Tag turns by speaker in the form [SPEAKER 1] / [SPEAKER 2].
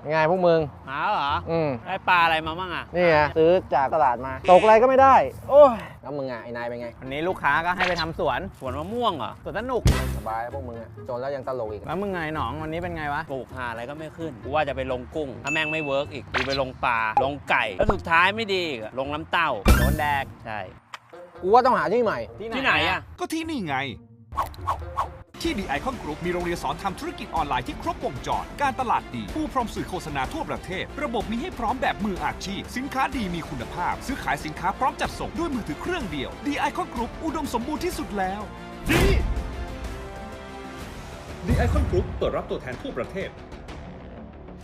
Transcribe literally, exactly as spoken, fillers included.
[SPEAKER 1] ยังไงพวกมึง
[SPEAKER 2] หาเหรอ
[SPEAKER 1] อืม
[SPEAKER 2] ได้ปลาอะไรมาบ้างอ่ะ
[SPEAKER 1] นี่ไงซื้อจากตลาดมาตกอะไรก็ไม่ได้โอ้ยแล้วมึงอ่ะไอ้นายเป็นไง
[SPEAKER 3] วันนี้ลูกค้าก็ให้ไปทำสวน
[SPEAKER 2] สวนมะม่วงเหรอ
[SPEAKER 3] สวนสนุก
[SPEAKER 1] สบายพวกมึงอ่ะจนแล้วยังตลกอีก
[SPEAKER 3] แล้วมึงไงหนองวันนี้เป็นไงวะ
[SPEAKER 2] ปลูกหาอะไรก็ไม่ขึ้นกูว่าจะไปลงกุ้งถ้าแม่งไม่เวิร์กอีกกูไปลงปลาลงไก่แล้วสุดท้ายไม่ดีอีกลงน้ำเต้า
[SPEAKER 3] โดนแดก
[SPEAKER 2] ใช่
[SPEAKER 1] กูว่าต้องหาที่ใหม่
[SPEAKER 2] ที่ไหนอ่ะ
[SPEAKER 4] ก็ที่นี่ไงที่ The Icon Group มีโรงเรียนสอนทำธุรกิจออนไลน์ที่ครบวงจรการตลาดดีผู้พร้อมสื่อโฆษณาทั่วประเทศระบบมีให้พร้อมแบบมืออาชีพสินค้าดีมีคุณภาพซื้อขายสินค้าพร้อมจัดส่งด้วยมือถือเครื่องเดียว The Icon Group อุดมสมบูรณ์ที่สุดแล้วดี The Icon Group เปิดรับตัวแทนทั่วประเทศ